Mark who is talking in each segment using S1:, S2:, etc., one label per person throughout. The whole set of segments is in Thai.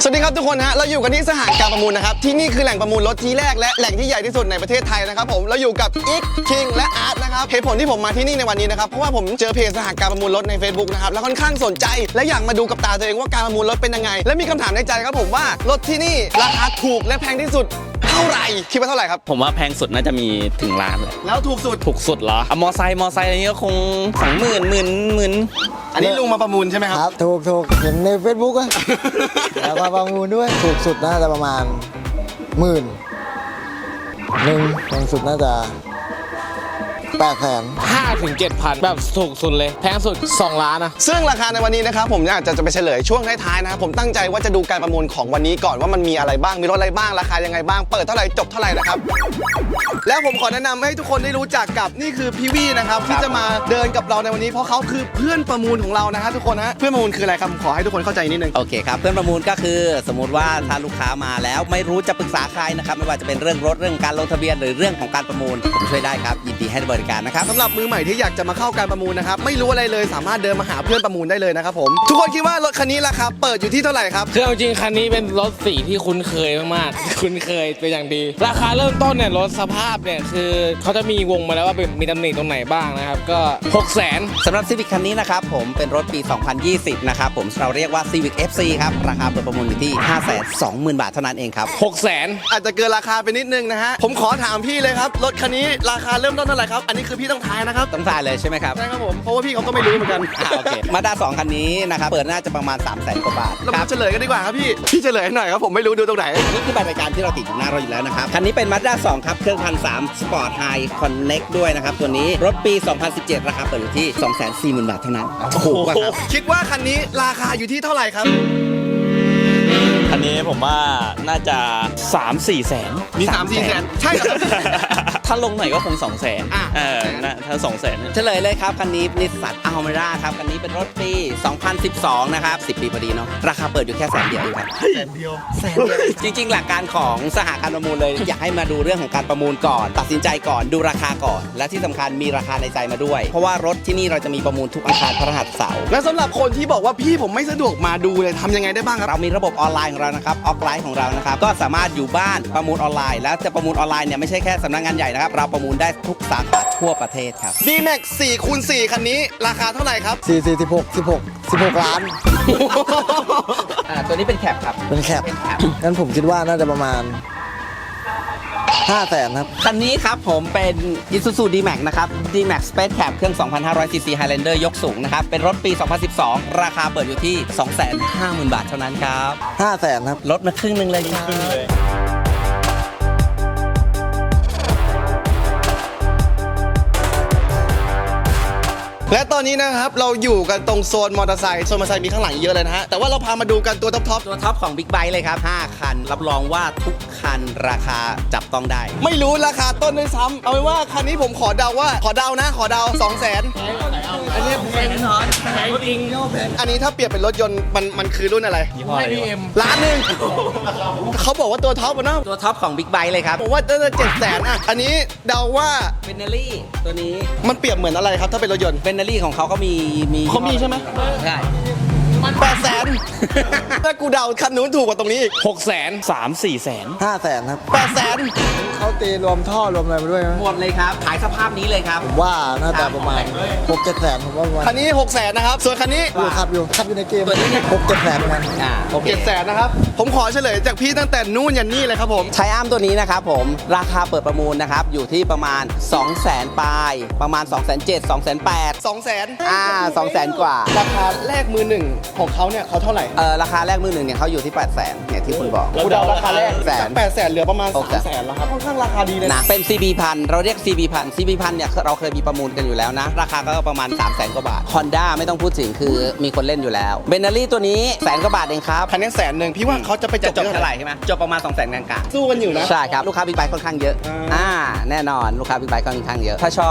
S1: สวัสดีครับทุกคนฮะเราอยู่กันที่สหการประมูลนะครับที่นี่คือแหล่งประมูลรถที่แรกและแหล่งที่ใหญ่ที่สุดในประเทศไทยนะครับผมเราอยู่กับอิกคิงและอาร์ตนะครับเหตุผลที่ผมมาที่นี่ในวันนี้นะครับเพราะว่าผมเจอเพจสหการประมูลรถใน Facebook นะครับแล้วค่อนข้างสนใจและอยากมาดูกับตาตัวเองว่าการประมูลรถเป็นยังไงและมีคำถามในใจครับผมว่ารถที่นี่ราคาถูกและแพงที่สุดเท่าไหร่คิดว่าเท่าไหร่ครับ
S2: ผมว่าแพงสุดน่าจะมีถึงล้านเลย
S1: แล้วถูกสุด
S2: ถูกสุดเหรอมอไซค์อะไรนี้ก็คง20,000
S1: อันนี้ลุงมาประมูลใช่ไหมครับ
S3: ครับถูกเห็นใน Facebook อะ แล้วมาประมูลด้วยถูกสุดน่าจะประมาณ10,000แพงสุดน่าจะ800,000
S4: 5 ถึง 7,000 แบบถูกสุดเลยแพงสุด2 ล้านนะ
S1: ซึ่งราคาในวันนี้นะครับผมอยากจะไปเฉลยช่วงท้ายๆนะครับผมตั้งใจว่าจะดูการประมูลของวันนี้ก่อนว่ามันมีอะไรบ้างมีรถอะไรบ้างราคายังไงบ้างเปิดเท่าไหร่จบเท่าไหร่นะครับแล้วผมขอแนะนำให้ทุกคนได้รู้จักกับนี่คือพี่วี่นะครับที่จะมาเดินกับเราในวันนี้เพราะเขาคือเพื่อนประมูลของเรานะฮะทุกคนฮะเพื่อนประมูลคืออะไรครับขอให้ทุกคนเข้าใจนิดนึง
S2: โอเคครับเพื่อนประมูลก็คือสมมุติว่าถ้าลูกค้ามาแล้วไม่รู้จะปรึกษาใครนะครับไม่ว่าจะเป็นเรื่องรถเรื่องการลงทะเบียนหรือเรื่องของการประมูลผมช่วยได้ครับยินดีให้บริการนะครับ
S1: สำหรับมือใหม่ที่อยากจะมาเข้าการประมูลนะครับไม่รู้อะไรเลยสามารถเดินมาหาเพื่อนประมูลได้เลยนะครับผมทุกคนคิดว่ารถคันนี้ราคาเปิดอยู่ที่เท่าไหร่ครับ
S4: คือเอาจริงคันนี้เป็นรถสีที่คุ้นเคยมากๆ คุ้นเคยเป็นอย่างดี ราคาเริ่มต้นเนี่ยรถสภาพเนี่ยคือเขาจะมีวงมาแล้วว่าเป็นมีตำหนิตรงไหนบ้างนะครับก็ 600,000
S2: สำหรับ Civic คันนี้นะครับผมเป็นรถปี 2020 นะครับผมเราเรียกว่า Civic FC ครับราคาเปิดประมูลอยู่ที่ 520,000 บาทเท่านั้นเองครับ
S4: 600,000
S1: อาจจะเกินราคาไปนิดนึงนะฮะผมขอถามพี่เลยครับรถคันนี้ราคาเริ่มต้นเท่าไหร่ครับอันนี้คือพี่ต้องทายนะครับ
S2: ต้องทายเลยใช่ไหมครับ
S1: ใช่ครับผมเพราะว่าพี่เขาก็ไม่รู้เหมือนกัน
S2: โอเคมาด้า2คันนี้นะครับเปิดน่าจะประมาณ 300,000 กว่าบาท
S1: เรา
S2: ค
S1: มา
S2: รับ
S1: เฉลยกันดีกว่าครับพี่เฉลยให้หน่อยครับผมไม่รู้ดูตรงไหน
S2: นี่คือใบรายการที่เราติดอยู่หน้าเราอยู่แล้วนะครับ คันนี้เป็น Mazda 2 ครับ เครื่อง1,300 Sport High Connect ด้วยนะครับ ตัวนี้รถปี 2017 ราคาเปิดอยู่ที่ 240,000 บาทเท่านั้นถูกป่ะครับ
S1: คิดว่าคันนี้ราคาอยู่ที่เท่าไหร่ครับ
S5: คันนี้ผมว่าน่าจะ 3-4 แสน
S1: มี 3-4 แสนใช่ครับ
S5: ถ้าลงหน่อยก็คง 2 แสน
S1: อ่ะ
S5: ถ้า 2 แสน
S2: เฉลยเลยครับ คันนี้นิสสันอัลเมร่าครับ คันนี้เป็นรถปี 2012 นะครับ 10 ปีพอดีเนาะราคาเปิดอยู่แค่100,000 เดียวเองครับแสนเดียวจริง ๆ หลักการของสหการประมูลเลย อยากให้มาดูเรื่องของการประมูลก่อน ตัดสินใจก่อนดูราคาก่อน และที่สำคัญมีราคาในใจมาด้วย เพราะว่ารถที่นี่เราจะมีประมูลทุกอังคารพฤหัสเสาร์
S1: แล้วสำหรับคนที่บอกว่าพี่ผมไม่สะดวกมาดูเลยทำยังไงได้บ้างครับ
S2: เรามีระบบออนไลน์ของเรานะครับออฟไลน์ของเรานะครับก็สามารถอยู่บ้านประมูลออนไลน์แล้วจะประมูลออนไลน์เนี่ยไม่ใช่แค่สำนักงานใหญ่นะครับเราประมูลได้ทุกสาขาทั่วประเทศครับ
S1: D-Max 4x4 คันนี้ราคาเท่าไหร่ครับ
S3: 16 ล้าน
S2: ตัวนี้เป็นแคปครับ
S3: เป็นแคปงั้นผมคิดว่าน่าจะประมาณ500,000ครับ
S2: คันนี้ครับผมเป็น Isuzu D-Max นะครับ D-Max Space Cab เครื่อง 2,500cc Highlander ยกสูงนะครับเป็นรถปี 2012 ราคาเปิดอยู่ที่ 250,000 บาทเท่านั้นครับ
S3: 500,000ครับ
S2: ลดมาครึ่งหนึงเลยครับ
S1: และตอนนี้นะครับเราอยู่กันตรงโซนมอเตอร์ไซค์มีข้างหลังเยอะเลยนะฮะแต่ว่าเราพามาดูกันตัวท็อป
S2: ตัวท็อปของ Big Bike เลยครับ 5 คัน รับรองว่าทุกคันราคาจับต้องได้
S1: ๆไม่รู้ราคาต้นด้วยซ้ำเอาเป็นว่าคันนี้ผมขอเดา200,000อันนี้อันนี้ถ้าเปรียบเป็นรถยนต์มันคือรุ่นอะไร ล้านหนึ่งเขาบอกว่าตัวท็อปอะเนาะ
S2: ตัวท็อปของ Big Bike เลยครับ
S1: ผมว่าน่าจะ700,000อ่ะอันนี้เดาว่า
S2: เบนเนอรี่ตัวนี้
S1: มันเปรียบเหมือนอะไรครับถ้าเป็นรถยนต์
S2: เบนเนอรี่ของเขาก็มี
S1: เขามีใช่ไหม
S2: ใช่
S1: 800,000ถ้ากูเดาคันนู้นถูกกว่าตรงนี้อีก
S4: 600,000
S5: 3-4 แสน
S3: 500,000ครับ
S1: 800,000
S3: เขาตีรวมท่อรวมอะไรมาด้วยไหม
S2: หมดเลยครับ ขายสภาพนี้เลยครับ
S3: ผมว่าน่าจะประมาณ 6-700,000ผมว่าประมาณ
S1: คันนี้600,000นะครับส่วนคันนี้
S3: ขับอยู่ในเกม
S2: ตัวนี้เนี่ย
S3: 6-700,000เหมือนกัน
S2: โอเค
S1: 700,000นะครับผมขอเฉลยจากพี่ตั้งแต่นู่นยันนี่เลยครับผม
S2: ไทอัมตัวนี้นะครับผมราคาเปิดประมูลนะครับอยู่ที่ประมาณ 200,000 ปลายประมาณ 207,000 208,000
S1: 200,000
S2: 200,000 กว่า
S1: ราคาแรกมือหนึ่งของเขาเนี่ยเขาเท่าไหร่
S2: ราคาแรกมือหนึ่งเนี่ยเขาอยู่ที่ 800,000เนี่ยที่คุณบอก
S1: กูเดาราคาแรก
S2: แสน
S1: 800,000เหลือประมาณ
S2: 600,000
S1: 300,000แล้วครับค่อนข้างราคาดีเลย
S2: นะเป็น CB พันเราเรียก CB พัน CB พันเนี่ยเราเคยมีประมูลกันอยู่แล้วนะ ราคาก็ประมาณ 300,000 กว่าบาท Honda ไม่ต้องพูดถึงคือมีคนเล่นอยู่แล้วเบนเนอรี่ตัวนี้แสนกว่าบาทเองครับ
S1: คันนี้100,000พี่ว่าเขาจะไปจ
S2: จะ
S1: บ
S2: จบ
S1: ที่
S2: เท่าไหร่ใช่ไหมจบประมาณ 200,000 กลาง
S1: สู้กันอยู่นะ
S2: ๆใช่ครับลูกค้าบิ๊กไบค์ค่อนข้างเยอะ
S1: อ่า
S2: แน่นอนลูกค้าบิ๊กไบค์ค่อนข้างเยอะถ้าชอบ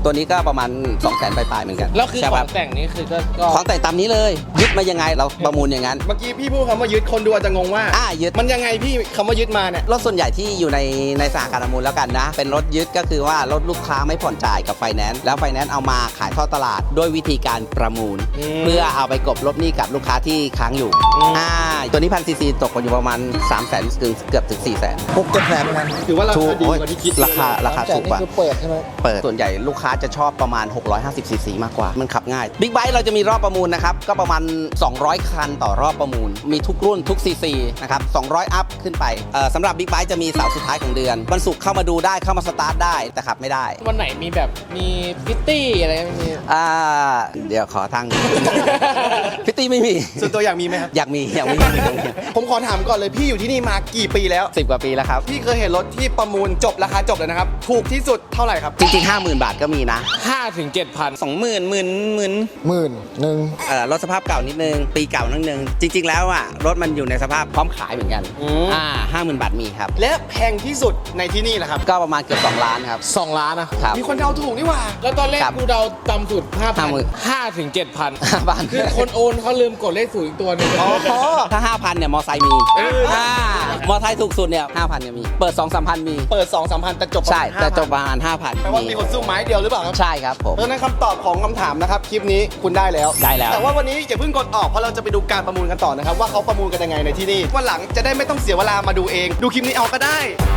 S2: ตัวนี้ก็ประมาณ 200,000 ปลายๆเหมือนกัน
S4: แล้วคือ
S2: ใช่
S4: ข
S2: ค
S4: อ
S2: รับ
S4: งแต่งนี่คือก็
S2: ของแต่งตามนี้เลยยึดมายังไงเราประมูลอย่างนั้น
S1: เมื่อกี้พี่พูดคำว่ายึดคนดูอาจจะงงว่า
S2: ยึด
S1: มันยังไงพี่คำว่ายึดมาเนี่ย
S2: รถส่วนใหญ่ที่อยู่ในสหการประมูลแล้วกันนะ เป็นรถยึดก็คือว่ารถลูกค้าไม่ผ่อนจ่ายกับไฟแนนซ์แล้วไฟแนนซ์เอามาขายทอดตลาดด้วยวิธีการประมูล เพื่อเอาไปกลบลบหนี้กับลูกค้าที่ค้างอยู่ตัวนี้1,000 ซีซีตกอยู่ประมาณ 300,000 ถึงเกือบถึง 400,000
S3: 6-7 แสนเหมือนกัน
S1: ถือว่าราคาดี
S2: โอ้ย
S1: กว่าที่คิด
S2: ราคาถูกกว่า
S3: นี่คือเปิดใช่ไหม
S2: เปิดส่วนใหญ่ลูกค้าจะชอบประมาณ 650 ซีซีมากกว่า มันขับง่ายบิ๊กไบค์เราจะมีรอบประมูลนะครับ ก็ประมาณ 200 คันต่อรอบประมูล มีทุกรุ่นทุกซีซีนะครับ 200 อัพขึ้นไปสำหรับบิ๊กไบค์จะมีเสาร์สุดท้ายของเดือนวันศุกร์เข้ามาดูได้เข้ามาสตาร์ทได้แต่ขับไม่ได้
S4: วันไหนมีแบบมีพิตตี้อะไรไม่มี
S2: เดี๋ยวขอทาง พิตตี้ไม่มี
S1: ส่วนตัวอยากมีไหมครับ
S2: อยากมี
S1: ผมขอถามก่อนเลยพี่อยู่ที่นี่มากี่ปีแล้ว
S2: 10 กว่าปีแล้วครับ
S1: พี่เคยเห็นรถที่ประมูลจบราคาจบเลยนะครับ ถูกที่สุดเท่าไหร่ครับ
S2: จริงๆ 50,000 บาทก็มีนะ
S4: 5 ถึง 7,000
S2: 20,000หมื่น
S3: 11,000
S2: รถสภาพเก่านิดนึง ปีเก่านิดนึง จริง ๆ แล้วรถมันอยู่ในสภาพพร้อมขายเหมือนกัน 50,000 บาทมีครับ
S1: และแพงที่สุดในที่นี่แหละครับ
S2: ก็ประมาณเกือบ2 ล้านครับ
S4: 2 ล้านนะ
S2: ครับ
S1: มีคนเดาถูกนี่หว่า
S4: แล้วตอนแรก
S2: ครับ
S4: กูเดาต่ำสุด
S2: 50,000
S4: 5 ถึง 7,000
S2: บาท
S4: คือคนโอนเขาลืมกดเลขศูนย์อีกตัวหนึง
S2: ถ้า 5,000 เนี่ย มอไซค์มีมอไซค์ถูกสุดเนี่ย 5,000 เนี่ยมี เปิด 2-3,000 มี
S1: เปิด 2-3 พันแต่จบประ
S2: ใช่
S1: มาณ
S2: แต่จบ
S1: 5,000
S2: ประมาณ 5,000
S1: แปลว่ามีคนสู้ไม้เดียวหรือเปล่าครับ
S2: ใช่ครับผม
S1: เพราะฉะนั้นคำตอบของคำถามนะครับ คลิปนี้คุณได้แล้ว
S2: ได้แล้ว
S1: แต่ว่าวันนี้อย่าเพิ่งกดออกเพราะเราจะไปดูการประมูลกันต่อนะครับว่าเขาประมูลกันยังไงในที่นี่วันหลังจะได้ไม่ต้องเสียเวลามาดูเอง ดูคลิปนี้เอาก็ได้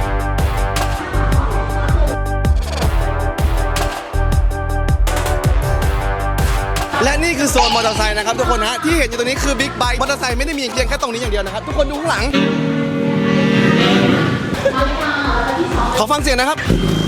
S1: และนี่คือโซนมอเตอร์ไซค์นะครับทุกคนฮะที่เห็นอยู่ตรงนี้คือบิ๊กไบค์มอเตอร์ไซค์ไม่ได้มีเพียงแค่ตรงนี้อย่างเดียวนะครับทุกคนดูข้างหลังขอฟังเสียงนะครับ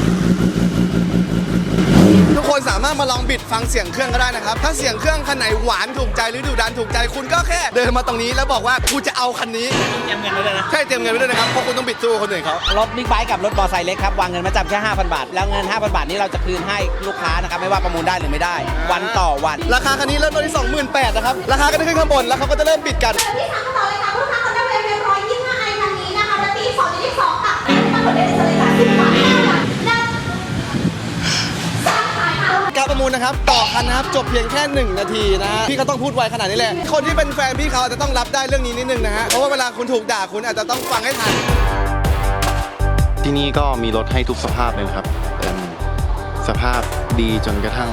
S1: ทุกคนสามารถมาลองบิดฟังเสียงเครื่องก็ได้นะครับถ้าเสียงเครื่องคันไหนหวานถูกใจหรือดุดันถูกใจคุณก็แค่เดินมาตรงนี้แล้วบอกว่ากูจะเอาคันนี้เตรียมเงินไว้ด้วยนะใช่เตรียมเงินไว้ด้วยนะครับเพราะคุณต้องบิดสู้คนอื่นเขา
S2: รถบิ๊กไบค์กับรถมอไซค์เล็กครับวางเงินมาจำแค่ 5,000 บาท แล้วเงิน 5,000 บาทนี้เราจะคืนให้ลูกค้านะครับไม่ว่าประมูลได้หรือไม่ได้ วันต่อวัน
S1: ราคาคันนี้เริ่มต้นที่ 28,000นะครับราคาก็จะขึ้นข้างบนแล้วเขาก็จะเริ่มบิดกัน
S6: ที่สามต่อเลยค่ะลูกค้าคนได้เวฟ125ไอคันนี้นะคะและปี2.2ค่ะตั้งคนได้เลยค่ะ10 บาท5 บาทได้ขายค่ะ
S1: การประมูลนะครับต่อคันนะครับจบเพียงแค่1 นาทีนะฮะพี่เขาต้องพูดไวขนาดนี้แหละคนที่เป็นแฟนพี่เขาอาจจะต้องรับได้เรื่องนี้นิดนึงนะฮะเพราะว่าเวลาคุณถูกด่าคุณอาจจะต้องฟังให้ทัน
S7: ที่นี่ก็มีรถให้ทุกสภาพเลยนะครับสภาพดีจนกระทั่ง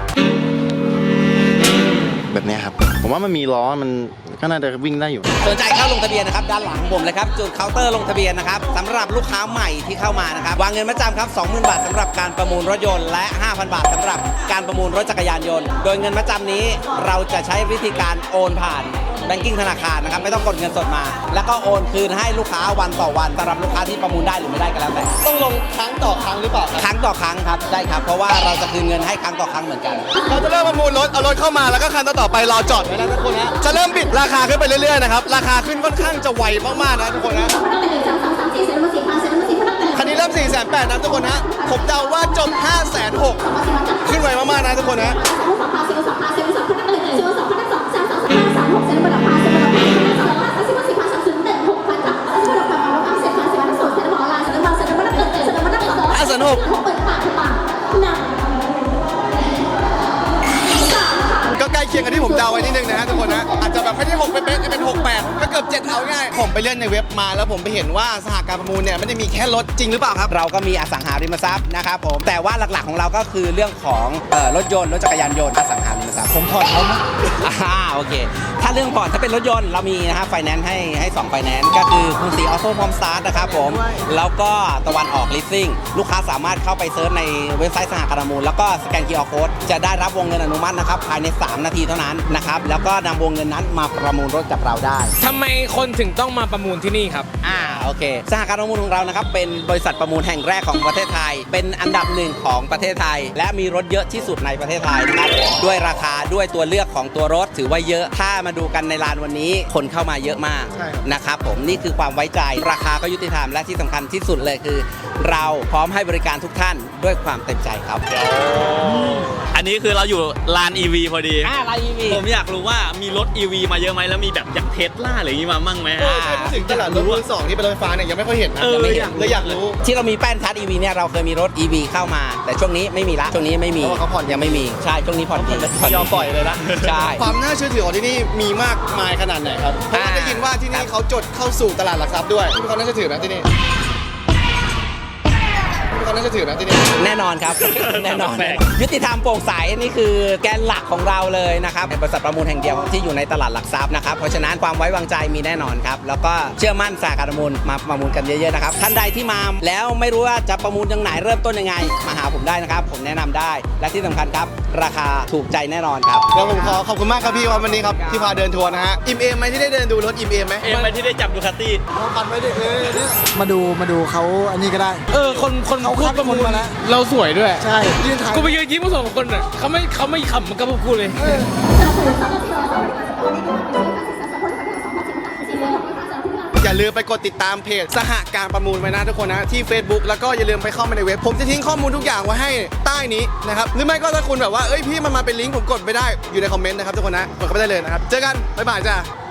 S7: แบบเนี้ยครับ ผมว่ามันมีล้อมันก็น่าจะวิ่งได้อยู่
S2: สนใจเข้าลงทะเบียนนะครับด้านหลังของผมเลยครับจุดเคาน์เตอร์ลงทะเบียนนะครับสำหรับลูกค้าใหม่ที่เข้ามานะครับวางเงินมาจำครับ 20,000 บาทสำหรับการประมูลรถยนต์และ 5,000 บาทสำหรับการประมูลรถจักรยานยนต์โดยเงินมาจำนี้เราจะใช้วิธีการโอนผ่านแบงกิ้งธนาคารนะครับไม่ต้องกดเงินสดมา แล้วก็โอนคืนให้ลูกค้าวันต่อวันสำหรับลูกค้าที่ประมูลได้หรือไม่ได้ก็แล้วแต่
S1: ต้องลงครั้งต่อครั้งหรือเปล่าครับ
S2: ครั้งต่อครั้งครับได้ครับเพราะว่าเราจะคืนเงินให้ครั้งต่อครั้งเหมือนกัน
S1: เราจะเริ่มประมูลรถเอารถเข้ามาแล้วก็คันต่อไปรอจอดไว้แล้วทุกคนนะจะเริ่มบิดราคาขึ้นไปเรื่อยๆนะครับราคาขึ้นค่อนข้างจะไวมากๆนะทุกคนนะ
S6: พนักงาน1 2 3 4เซ็นมา4,000เซ็นมา4พนักงาน
S1: คันนี้เริ่ม 480,000นะทุกคนนะผมเดาว่าจบ 560,000ขึ้นไวมากๆนะทุกคนนะ
S6: 2 2 3 4 2 พนักงาน1 2 พนักงาน2 3 3 5 3 6เซ็นมา5เซ็นมา6เซ็นมา5 4,000 3 0 1 6,000ค่ะเซ็นมา6,000เซ็นมา10,000เซ็นมาออนไลน์เซ็นมาพนักงานเซ็นมา6เปิดปากหนัก
S1: ก็ใกล้เคียงกันที่ผมเดาไว้นิดนึงนะฮะทุกคนนะอาจจะแบบไม่ได้6เป๊ะๆจะเป็น68ก็เกือบ7เอาง่ายผมไปเล่นในเว็บมาแล้วผมไปเห็นว่าสหการประมูลเนี่ยไม่ได้มีแค่รถจริงหรือเปล่าครับ
S2: เราก็มีอสังหาริมทรัพย์นะครับผมแต่ว่าหลักๆของเราก็คือเรื่องของรถยนต์รถจักรยานยนต์อสังหาริมทรัพย์
S3: ผมผ่อนเขานะ
S2: โอเคถ้าเรื่องผ่อนถ้าเป็นรถยนต์เรามีนะครับไฟแนนซ์ให้2ไฟแนนซ์ก็คือกรุงศรีออโต้พร้อมสตาร์ทนะครับผมแล้วก็ตะวันออกลิสซิ่งลูกค้าสามารถเข้าไปเซิร์ชในเว็บไซต์สหการประมูลแล้วก็สแกน QR Code จะได้รับวงเงินอนุมัตินะครับภายใน3 นาทีเท่านั้นนะครับแล้วก็นำวงเงินนั้นมาประมูลรถกับเราได้
S4: ทำไมคนถึงต้องมาประมูลที่นี่ครับ
S2: โอเคสหการประมูลของเรานะครับเป็นบริษัทประมูลแห่งแรกของประเทศไทย เป็นอันดับ 1ของประเทศไทย และมีรถเยอะที่สุดในประเทศไทยนะครับด้วยราคคาด้วยตัวเลือกของตัวรถถือว่าเยอะถ้ามาดูกันในลานวันนี้คนเข้ามาเยอะมาก
S1: ใช่ครับ
S2: นะครับผมนี่คือความไว้ใจราคาก็ยุติธรรมและที่สำคัญที่สุดเลยคือ เราพร้อมให้บริการทุกท่านด้วยความเต็มใจครับ
S5: อันนี้คือเราอยู่ลาน EV พอดี
S2: ลาย EV
S5: ผมอยากรู้ว่ามีรถ EV มาเยอะไหมแล้วมีแบบอย่างเทสลาหรืออย่างนี้มามั่งไหม
S1: ใช่พูดถึงตลาดรถมือสองที่เป็นรถไฟฟ้าเนี่ยยังไม่ค่อยเห็นนะ
S5: ยังไม่เห็น
S1: เลยอยากรู้
S2: ที่เรามีแป้นชาร์จ EV เนี่ยเราเคยมีรถ EV เข้ามา แต่ช่วงนี้ไม่มีละช่วงนี้ไม่มี
S1: เพราะว่าเขาผ่อน
S2: ยังไม่มีใช่ช่วงนี้ผ่อนดี
S5: ยอมปล่อยเลยนะ
S2: ใช่
S1: ความน่าเชื่อถือของที่นี่มีมากมายขนาดไหนครับ เพราะว่าได้ยินว่าที่นี่เขาจดเข้าสู่ตลาดหลักทรัพย์ด้วยมีความน่าเชื่อถือนะที่นี่มีความน่าเชื่อถือนะที่นี่
S2: แน่นอนครับ แน่นอน
S5: แปลก
S2: ยุติธรรมโปร่งใสนี่คือแกนหลักของเราเลยนะครับเป็นบริษัทประมูลแห่งเดียวที่อยู่ในตลาดหลักทรัพย์นะครับเพราะฉะนั้นความไว้วางใจมีแน่นอนครับแล้วก็เชื่อมั่นสาขาประมูลมาประมูลกันเยอะๆนะครับท่านใดที่มาแล้วไม่รู้ว่าจะประมูลยังไหนเริ่มต้นยังไงมาหาผมได้นะครับผมแนะนำได้และที่สำคัญครับราคาถูกใจแน่นอนครับ
S1: แล้วผมขอบคุณมากครับพี่วันนี้ครับที่พาเดินทัวร์นะฮะอิ่มเอมไหมที่ได้เดินดูรถอิ่มเอมไหม
S5: เอ็มไปที่ได้จับดูคาตี้
S3: มาดูเขาอันนี้ก็ได้
S4: คน
S3: เขาคัดคนมาแล้ว
S4: เราสวยด้วย
S3: ใช่ยืนถ่าย
S4: กูไปยืนยิ้มกับสองคนอ่ะเขาไม่ขำมันกับพวกกูเลย
S1: อย่าลืมไปกดติดตามเพจสหการประมูลไว้นะทุกคนนะที่ Facebook แล้วก็อย่าลืมไปเข้ามาในเว็บผมจะทิ้งข้อมูลทุกอย่างไว้ให้ใต้นี้นะครับหรือไม่ก็ถ้าคุณแบบว่าเอ้ยพี่มันมาเป็นลิงก์ผมกดไม่ได้อยู่ในคอมเมนต์นะครับทุกคนนะกดเข้าไปได้เลยนะครับเจอกันบ๊ายบายจ้า